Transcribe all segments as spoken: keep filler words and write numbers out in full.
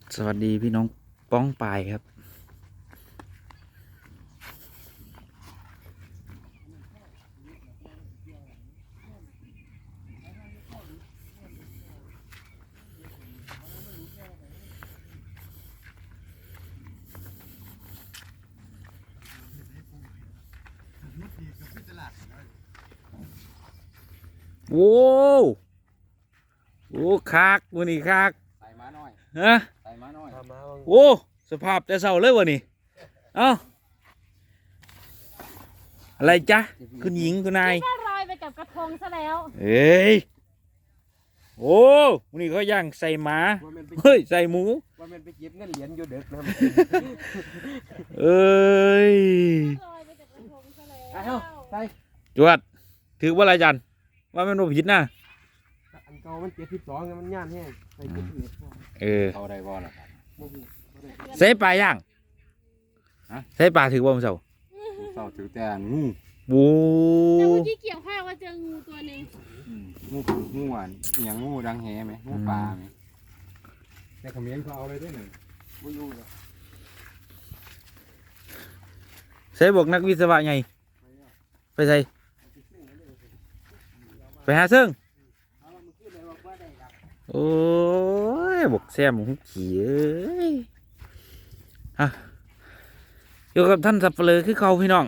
สวัสดีพี่น้องป้องปายครับโอ้โอ้คักวันนี้คักใส่มาหน่อยฮะใส่มาหน่อยโอ้สภาพแต่เศร้าเลยวะนี่เอ้าอะไรจ๊ะคุณหญิงคุณนายก็ลอยไปกับกระทงซะแล้วเอ้ยโอ้วันนี้เขาย่างใส่หมาเฮ้ยใส่หมูว่ามันไปเก็บเงินเหรียญอยู่เด็กนะเอ้ยลอยไปกับกระทงซะแล้วใส่จวดถือว่าอะไรจันว่ามันโนผิดนะอันเก่ามันเจ็ดสิบสองมันย่านแห้งใส่เจ็ดสิบเอ็ดเออเขาได้บ่ล่ะครับใส่ปลาย่างฮะใส่ปลาถือว่ามันเศร้าเศร้าถือแต่งูบูแต่เมื่อกี้เกี่ยวข้าวว่าเจองูตัวหนึ่งงูงูอ่ะอย่างงูดังแหไหมงูปลาไหมแต่เขมิ้นเขาเอาเลยด้วยหนึ่งงูยูเลยใส่บอกนักวิศวะไงไปใส่ไปหาซึ่งโอ้ยบอกแซมของขี่เอ้ยฮะอยู่กับท่านสับเปลือคือเขาพี่น้อง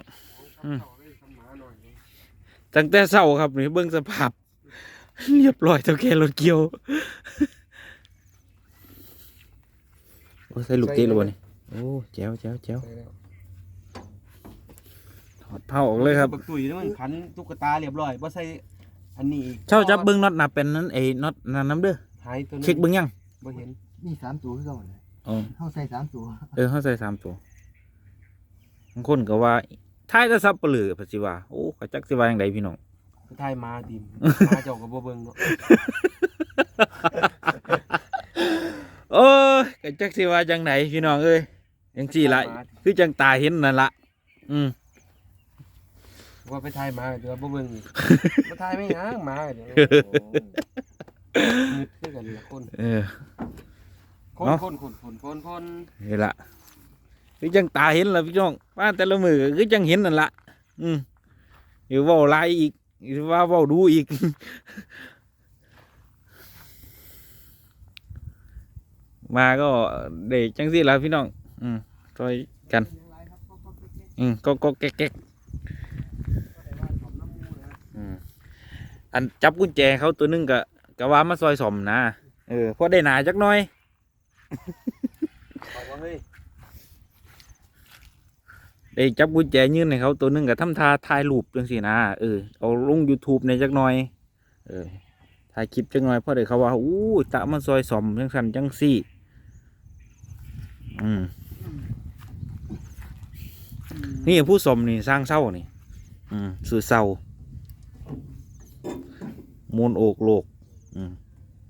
ตั้งแต่เศร้าครับนี่เบิ้งสภาพเรียบร้อยเท่าแก่รถเกี่ยวโอ้ใส่ลูกเตะเลยบ่นี่โอ้แจ๋วแจ๋วแจ๋วถอดเผาออกเลยครับบักตุ๋ยนี่มันขันตุ๊กตาเรียบร้อยบ่ใส่อันนี้อีกเช่าจับเบิ้งน็อตหนาเป็นนั้นไอ้น็อตนั่นน้ำเด้อหายตัวนึงเช็คเบิ้งยังบ่เห็นนี่สามตัวคือเก่าเลยเขาใส่สามตัวเออเขาใส่สามตัวบางคนก็ว่าท้ายจะซับเปลือกปัจจุบันโอ้ขจักสิว่าอย่างไรพี่น้องท้ายมาดิมมาเจ้ากับบ่เบิ่งเนาะโอ้ยขจักสิว่าจังไหนพี่น้องเอ้ยยังสี่ละคือจังตาเห็นนั่นละอืมว่าไปท้ายมาเดี๋ยวบ่เบิ่งอีกมาท้ายไม่ยังมาเดี๋ยวมืดคือกันละคนเออคนคนคนคนคนคนนี่ละคือจังตาเห็นละพี่น้องว่าแต่ละมือคือจังเห็นนั่นละอืมอยู่ว่าไล่อีกว่าว่าดูอีกมาก็เด็กจังสิละพี่น้องอืมช่วยกันอืมก็ก็แก๊กอืมอันจับกุญแจเขาตัวนึงกะกะว่ามาซอยสมนะเออพอได้หนาจักหน่อยได้จับกุญแจยื่นให้เขาตัวนึงกับทำท่าถ่ายรูปจังสินะเออเอาลง YouTube ในจักหน่อยเออถ่ายคลิปจักหน่อยเพราะเดี๋ยวเขาว่าอู้ตะมันซอยสมจังสันจังสี่อืมนี่ผู้สมนี่สร้างเศร้านี่อืมสื่อเศร้ามูลโอกโลกอืม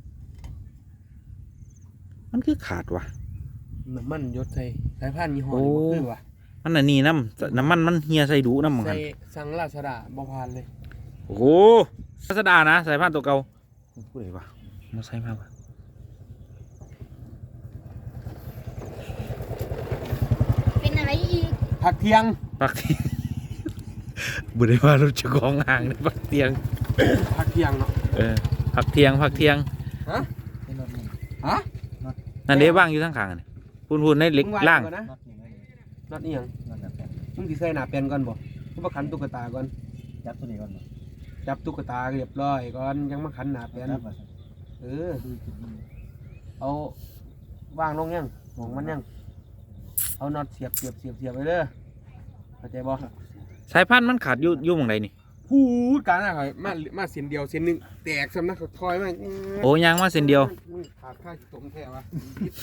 มันคือขาดวะน้ำมันยศใส่สายพันธุ์ยี่ห้อนี้บ่คือวะมันอันนี้น้ำน้ำมันมันเฮียใส่ดูน้ำมันใส่สังราชดาบ่ผ่านเลยโอ้โหราชดานะสายพันธุ์ตัวเก่าพูดเลยวะมาใส่มากวะเป็นอะไรอีกผักเทียงปักเทียงบุได้ว่าเราจะกองห่างในปักเทียงผักเทียงเนาะเออผักเทียงผักเทียงฮะฮะนั่นเด้บ้างอยู่ทั้งข้างนี่พูนพูนในเล็กล่างนัดนี่ยังมึงสิใส่หน้าเป็นก่อนบ่มึงมาขันตุ๊กตาก่อนจับตัวนี้ก่อนจับตุ๊กตาเรียบร้อยก่อนยังมาขันหน้าเป็นเออเอาวางลงยังหงมันยังเอาน็อตเสียบเสียบเสียบเสียบไปเด้อเข้าใจบ่สายพันธุ์มันขาดอยู่อยู่หม้องใดนี่พูดกันนะมามาเส้นเดียวเส้นหนึ่งแตกสำนักคอยมาโอ้ยางมาเส้นเดียวขาดค่าสมแท้วะ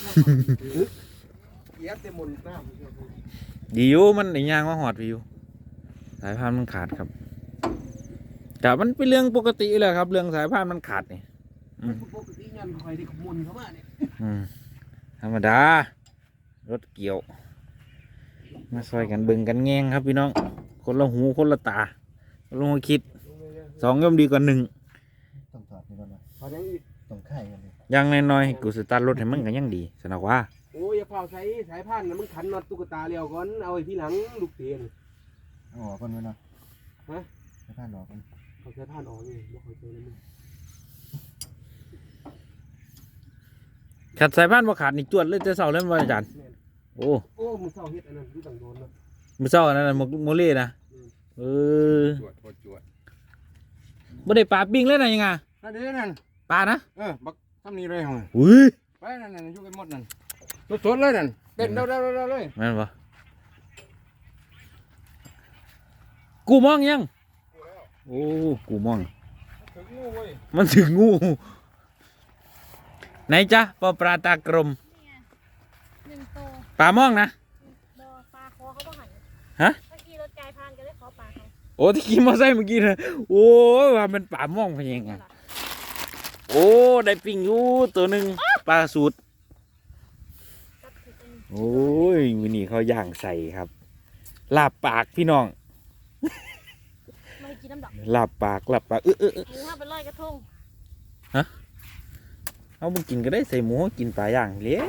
เย็บเต็มหมดน้ำดีอยู่มันยางมาหอดวิวสายพันธุ์มันขาดครับแต่มันเป็นเรื่องปกติเลยครับเรื่องสายพันธุ์มันขาดนี่ปกติงานคอยได้ขมุนเข้ามาเนี่ยธรรมดารถเกี่ยวมาซอยกันเบิ่งกันแงงครับพี่น้องคนละหูคนละตาลงมาคิดสองย่อมดีกว่าหนึ่งต้องถอดนี่ก่อนนะต้องไข่กันยังน้อยๆกูสตาร์ทรถให้มึงกันยังดีสนักว่าเฝ้าใช้สายพันธุ์มันขันน็อตตุ๊กตาเลี้ยวก่อนเอาไอ้ที่หลังลูกเตียนเอาออกก่อนไว้เนาะฮะให้ผ่านออกก่อนเขาใช้พันธุ์ออกนี่บ่เคยเจอเลยมึงขัดสายพันธุ์บ่ขาดนี่จวดเลยแต่เช้าเลยบ่อาจารย์โอ้โอ้มึงเศร้าเฮ็ดอันนั้นดูต่างโดนเนาะมื้อเช้าอันนั้นน่ะหมกโมเล่นะเออจวดโคตรจวดบ่ได้ปลาปิ้งเลยนะยังไงนั่นเด้นั่นปลานะเออบักทำนี่เลยเหรออุ้ยไปนั่นนั่นอยู่กันหมดนั่นสดๆเลยนั่นเต้นเร็วๆๆเลยแม่นบ่กูมองยังโอ้กูมองถึงงูเว้ยมันถึงงูไหนจ๊ะปลาปลาตากลมเนี่ยหนึ่งตัวปลามองนะบอปลาคอเขาต้องหันฮะเมื่อกี้รถไกลผ่านก็เลยขอปลาเขาโอ้ที่ขี่มอเตอร์ไซค์เมื่อกี้นะโอ้ยว่ามันปลามองพะยังไงโอ้ได้ปิ้งอยู่ตัวหนึ่งปลาสูตรจับผิดอันนี้โอ้ยวันนี้เขาย่างใส่ครับลาบปากพี่น้องไม่ให้กินน้ำดอกลาบปากลาบปากเออเออเออหมูห้าเป็นร้อยกระทงเอาบุกินก็ได้ใส่หมูกินปลาย่างเลี้ย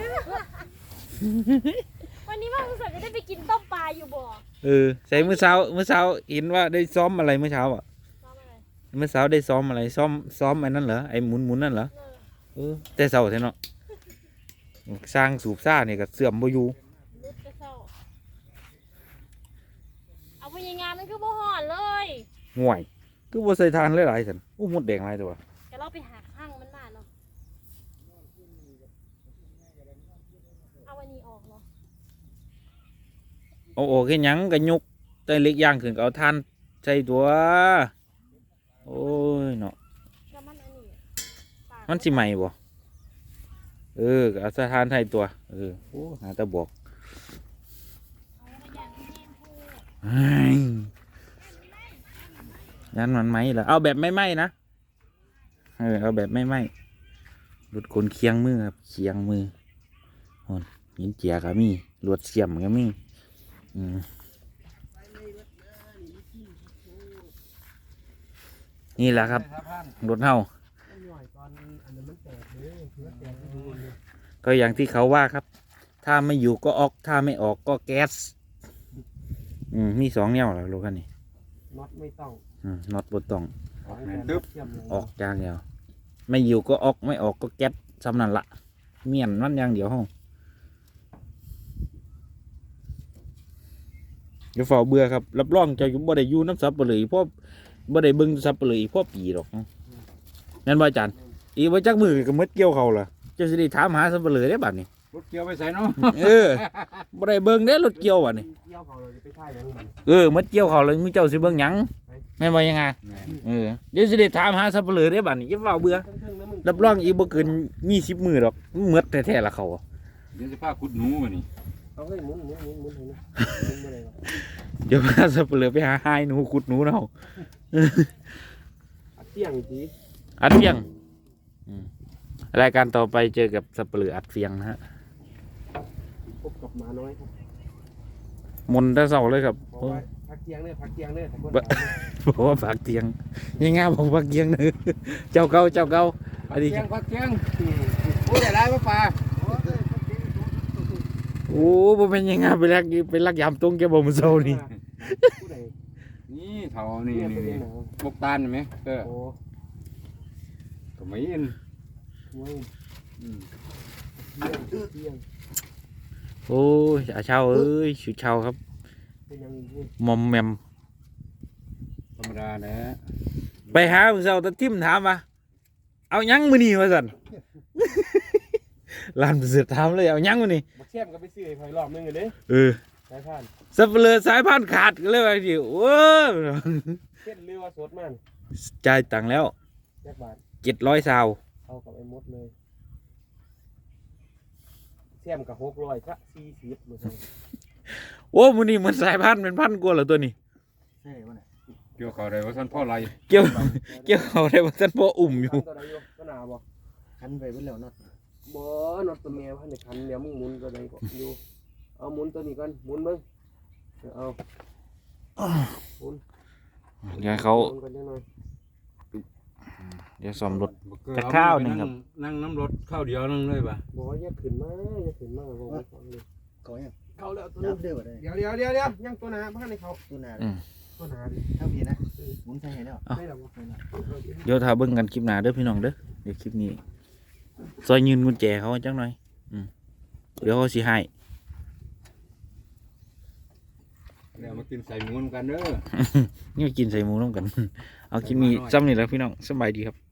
วันนี้ว่าคุณสัตว์จะได้ไปกินต้มปลาอยู่บ่อเออใส่เมื่อเช้าเมื่อเช้าเห็นว่าได้ซ้อมอะไรเมื่อเช้าอ่ะซ้อมอะไรเมื่อเช้าได้ซ้อมอะไรซ้อมซ้อมไอ้นั่นเหรอไอ้หมุนหมุนนั่นเหรอเออเออแต่เช้าเท่าเนาะสร้างสูบซ่าเนี่ยก็เสื่อมบ่อยู่รุดกระเซ้าเอาไปยังงานมันคือบ่ห่อนเลยห่วยคือบ่ใส่ทานหลายๆสันโอ้หมดแดงหลายตัวแต่เราไปหาข้างมันมาเนาะเอาวันนี้ออกเนาะเอาออกแค่หยังก็ยกแต่เล็กย่างขึ้นก็เอาทานใส่ตัวโอ้ยเนาะแล้วมันอันนี้ปลามันสิใหม่บ่เออก็เอาใส่ทานใส่ตัวเออโอ้หาแตะบอกเอามาอย่างที่แม่พูดเฮ้ยยันมันไหมเหรอเอาแบบไม่ไหมนะเออเอาแบบไม่ไหมรถคนเคียงมือครับเคียงมือหอนหินเจียก็มีรถเสียมก็มีอืมนี่แหละครับรถเฮามันหน่อยตอนอันนั้นมันแตกเลยคือแตกที่ดูเลยก็อย่างที่เขาว่าครับ ถ้าไม่อยู่ก็ออกถ้าไม่ออกก็แก๊สอืมมีสองแนวแล้วรถคันนี้น็อตไม่ต้องอืมน็อตบนต้องออกแน่นตึ๊บเชื่อมเลยออกอย่างเดียวไม่อยู่ก็ออกไม่ออกก็แก๊สสำนั่นละเมียนมันอย่างเดียวห้องอย่าเฝ้าเบื่อครับรับรองจะบ่ได้อยู่น้ำซับเปลือยเพราะบ่ได้เบิ่งซับเปลือยเพราะปีหรอกนั่นว่าอาจารย์อีว่าจักมือก็หมดเกี่ยวเขาล่ะจะสิได้ถามหาซับเปลือยได้บัดนี้รถเกี่ยวไปใส่เนาะเออบ่ได้เบิ่งเด้รถเกี่ยวบัดนี้เกี่ยวเขาเราจะไปท่ายยังมันเออหมดเกี่ยวเขาเลยมึงเจ้าสิเบิ่งหยังแม่นว่ายังไงเออเดี๋ยวสิได้ถามหาซับเปลือยได้บัดนี้อย่าเฝ้าเบื่อเทิงๆนะมึงรับรองอีกบ่เกินยี่สิบมือหรอกหมดแท้ๆละเขาเดี๋ยวจะพาขุดหนูมานี่เอาให้หมุนหมุนหมุนหมุนเห็นไหมหมุนไปเลยเดี๋ยวพาสับเปลือไปหาหายหนูขุดหนูเนาะอัดเตี้ยงจีอัดเฟียงอืมรายการต่อไปเจอกับสับเปลืออัดเฟียงนะฮะพบกับหมาน้อยครับมนต์แต่เสาเลยครับเพโอ้ราะว่าพักเตียงเนี่ยพักเตียงเนี่ยแต่คนบะ บอกว่าฝากเตียงยังง่ายบอกฝากเตียงเนอะเจ้าเก่าเจ้าเก่าพัอักนนี้เกียงพักเกียงโอ้ยได้ไรมาปลาโอ้บ่เป็นยังไงไปลักไปลักยามตรงแกบอกมันเศร้านี่ผู้ใดนี่เถานี่เนี่ยนี่เป็นนี่หนาวบกตาลเห็นไหมเออโอ้ตัวไม่เอ็นโว้ยอืมเตียงเตียงโอ้ยอาเช่าเอ้ยชิวเช่าครับเป็นยังไงมอมแมมธรรมดาแหละไปหามึงเศร้าตะทิมถามว่าเอายังมือนี่มาสั่น ลานเสือถามเลยเอายังมือนี่บักแซมก็ไปซื้อไอ้พลอยรอบนึงเลยเด้เออสายพานสับเปลือสายพันธุ์ขาดก็เลยว่าดิโอ้ยเส้นเรือว่าสดมันจ่ายตังค์แล้วแจ็คบาทเจ็ดร้อยซาวเอากับไอ้มดเลยแซมกับหกร้อยก็สี่สิบเลยโอ้มันนี่มันสายพันธุ์เป็นพันกว่าเหรอตัวนี้ใช่ป่ะเนี่ยเกี่ยวเขาอะไรว่าท่านพ่อไรเกี่ยวเกี่ยวเขาได้ว่าท่านพ่ออุ่มอยู่ตัวใดอยู่ตัวหนาบ่คันไปเบิ่แล้วเนาะบ่นอตตัวแมวพันในคันเดี๋ยวมึงหมุนตัวใดก็อยู่เอาหมุนตัวนี้ก่อนหมุนเบิ่งเอาหมุนเดี๋ยวเขาหมุนกันจังหน่อยเดี๋ยวซ่อมรถบ่เกินจักข้าวหนึ่งครับนั่งน้ำรถข้าวเดียวนึงเลยป่ะบอกว่าอย่าขึ้นมาอย่าขึ้นมาบอกว่าฟังเลยเขายังเข้าแล้วตัวยันึบงเร็วได้เดี๋ยวเดี๋ยวเดี๋ยวเดี๋ยวยังตัวหนาพันในเขาตัวหนาอืมตัวหนาดิเท่าพี่นะหมุนใส่ให้แล้วไม่หรอกเดี๋ยวถ้าเบิ่งกันคลิปหน้าเด้อพี่น้องเด้อเดี๋ยวคลิปนี้ซอยยืนกุญแจเขาจังหน่อยอืมเดี๋ยวเขาสิให้เดี๋ยวมากินใส่หมูนำกันเด้อนี่กินใส่หมูน้ำกัน เอาคลิปนี้ซ้ำนี่แหล้วพี่น้องสบายดีครับ